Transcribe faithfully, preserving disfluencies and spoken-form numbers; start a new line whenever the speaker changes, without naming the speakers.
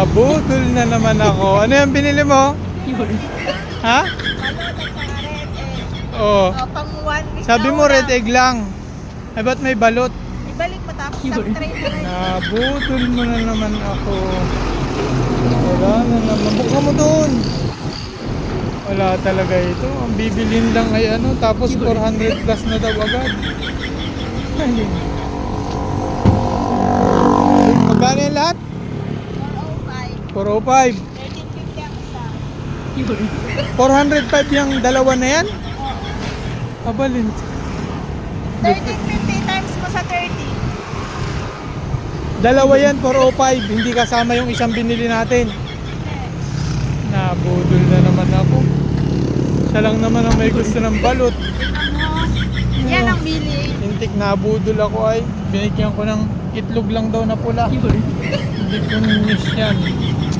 Abudol na naman ako. Ano yung binili mo? Ha?
Balot at saka red egg.
Oo.
O, pang one week
Sabi
na
mo red
ulam.
egg lang. Ay, ba't may balot?
Ibalik mo tapos sa tray na red.
Nabudol mo na naman ako. Wala na naman. Buka mo doon. Wala talaga ito. Ang bibilin lang ay ano, tapos four hundred plus na daw agad. Ay. Magkano yung lahat?
four oh five.
four oh five.
thirteen fifty ang isa.
four hundred five yung dalawa na yan?
Oo.
Abalin.
thirteen fifty times mo sa thirty.
Dalawa yan, four oh five. Hindi kasama yung isang binili natin. Nabudol na naman ako. Siya lang naman ang may gusto ng balot.
Tingnan mo. Yan ang bili.
Intik, nabudol ako ay. Binigyan ko ng itlog lang daw na pula. Hindi ko ninis yan.